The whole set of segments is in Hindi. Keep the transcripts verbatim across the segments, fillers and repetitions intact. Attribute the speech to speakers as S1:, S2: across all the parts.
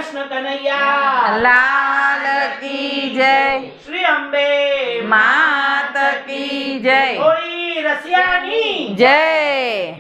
S1: कृष्ण कन्हैया
S2: लाल की जय।
S1: श्री अंबे
S2: मात की जय।
S1: होळी रसियानी
S2: जय।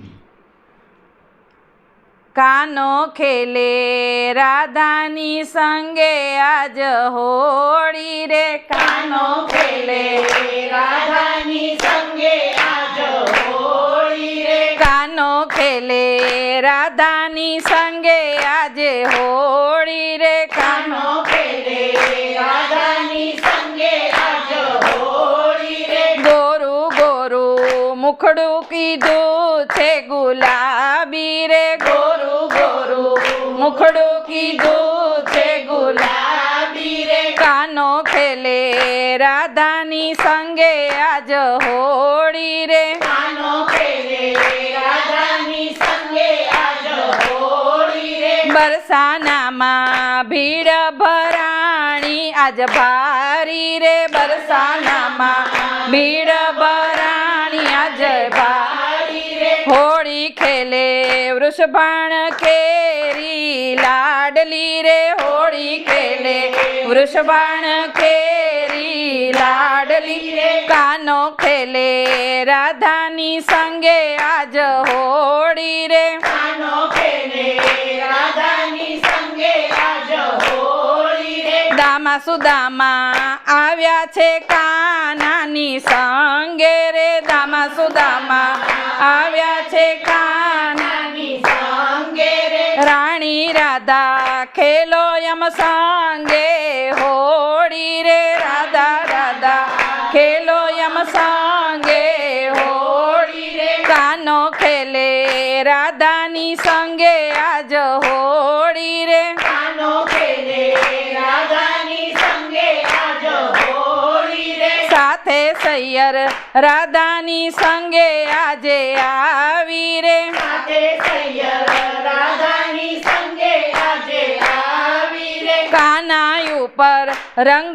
S2: कानो खेले राधानी संगे आज होळी रे।
S1: कानो खेले राधानी संगे आज होळी रे।
S2: कानो खेले राधानी संगे आज होळी रे।
S1: कानो खेले राधानी संगे आज होळी रे।
S2: गोरू गोरू मुखड़ू कीधु छे गुलाबी रे।
S1: गोरू गोरू
S2: मुखड़ू कीधु छे
S1: गुलाबी रे।
S2: कानो खेले राधानी संगे आज होळी रे।
S1: कानो खेले राधानी संगे आज होळी रे।
S2: बरसाना मा भीड़ भराणी आज भारी रे। बरसाना मा भीड़ भराणी आज भारी रे। होळी खेले वृषभान केरी लाडली रे। होळी खेले वृषभान केरी लाडली रे। कानो खेले राधानी संगे आज होळी रे।
S1: कानो खेले राधानी संगे आज होळी रे।
S2: दामा सुदामा आव्या छे कानानी संगे रे। दामा सुदामा आव्या छे कानानी
S1: संगे रे।
S2: राणी राधा खेलो यम संगे होळी रे। राधा राधा खेलो यम संगे होळी रे। कानो खेले राधानी संगे आज होळी रे।
S1: कानो खेले राधानी संगे आज होळी रे।
S2: साथे सैयर राधानी संगे आजे आवी रे।
S1: साथे सैयर राधानी संगे आजे आवी रे।
S2: काना ऊपर रंग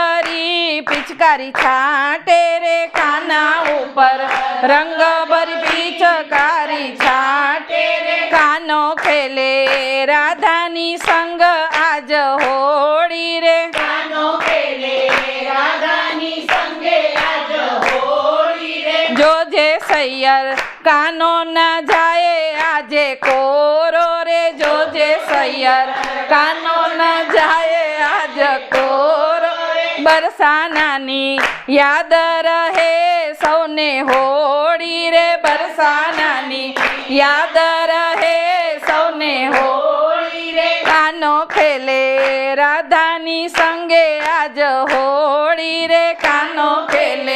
S2: भरी पिचकारी छाटे रे। काना ऊपर रंग भरी पिचकारी छाटे रे। कानो खेले राधानी संग आज होळी रे।
S1: कानो खेले राधानी संगे आज होळी रे।
S2: जो जे सैयर कानो न जाए आजे कोरो रे। जो जे सैयर कानो न जाए आज कोरो रे। बरसानानी याद रहे सौने होळी रे। बरसानानी याद रहे सौने होळी रे। कानो खेले राधानी संगे आज होळी रे। कानो खेले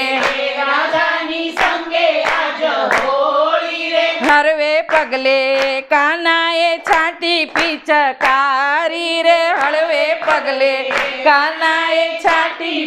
S1: राधानी संगे आज होळी रे।
S2: हरवे पगले कानाए छाटी पिचकारी रे। हळवे पगले कानाए छाटी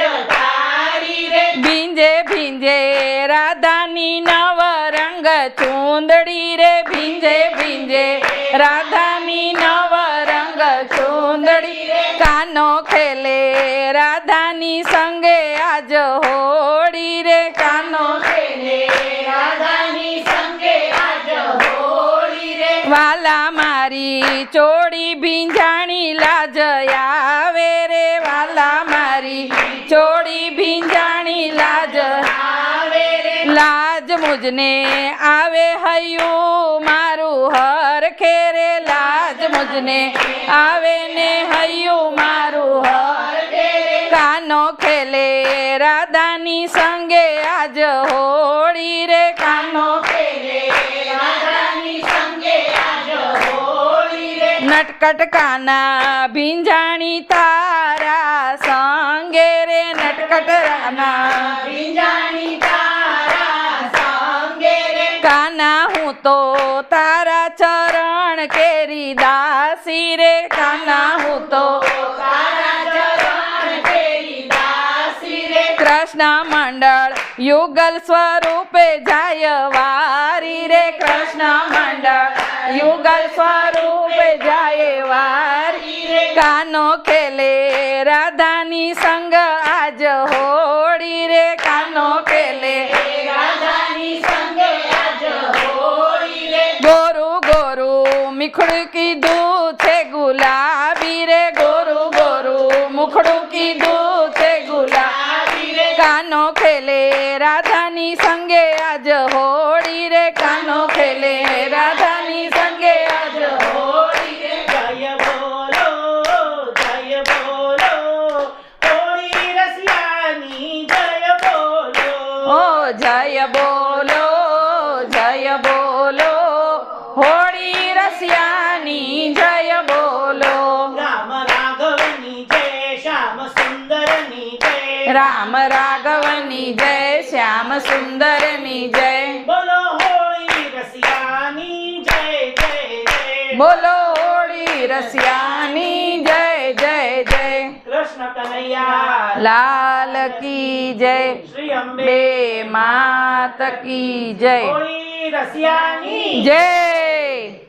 S1: पिचकारी रे।
S2: भिंजे भिंजे राधानी नव रंग चूंदड़ी रे। भिंजे भिंजे राधानी नव रंग चूंदड़ी रे। कानो खेले राधानी संगे आज होळी रे। कानो
S1: खेले राधानी संगे आज होळी रे।
S2: वाला मारी चोड़ी भिंजाणी लाज आवे रे। वाला मारी चोड़ी भिंजाणी लाज
S1: आवे रे।
S2: लाज मुझने आवे हयू मारू हर खेरे। लाज मुझने आवे ने हयू मारू हर खेरे। कानो खेले राधानी संगे आज होळी रे। कानो
S1: खेले राधानी संगे आज होळी रे।
S2: नटकट काना भिंजाणी तारा संगे रे। नटकट राना
S1: भिंजाणी तारा संगे रे।
S2: काना हूँ तो तारा चरण केरी दासी रे। काना हूँ तो
S1: तारा चरण केरी दासी रे।
S2: कृष्ण मंडल युगल स्वरूपे जाय वारी रे। कृष्ण मंडल युगल स्वरूपे जाय वारी रे। कानो खेले राधानी संग आज होळी रे। कानो खेले
S1: राधानी संगे आज होळी रे।
S2: गोरू गोरू मिखड़ की दू छे गुलाब કીધું છે ગુલાબી રે કાનો ખેલે રાધાની સંગે આજ હોળી રે કાનો ખેલે રાધાની સંગે આજ હોળી રે
S3: જય બોલો જય બોલો હોળી રસિયાની જય બોલો
S2: ઓ જય બોલો જય બોલો હોળી રસિયાની જય બોલો
S3: રામ રાઘવની જય શ્યામ સુંદરની જય
S2: રામ રાઘવની જય શ્યામ સુંદરની જય
S3: બોલો હોળી રસિયાની જય જય જય
S2: બોલો હોળી રસિયાની જય જય જય
S3: કૃષ્ણ કનૈયા
S2: લાલ કી જય
S3: શ્રી અંબે
S2: બે માત કી જય
S3: હોળી રસિયાની
S2: જય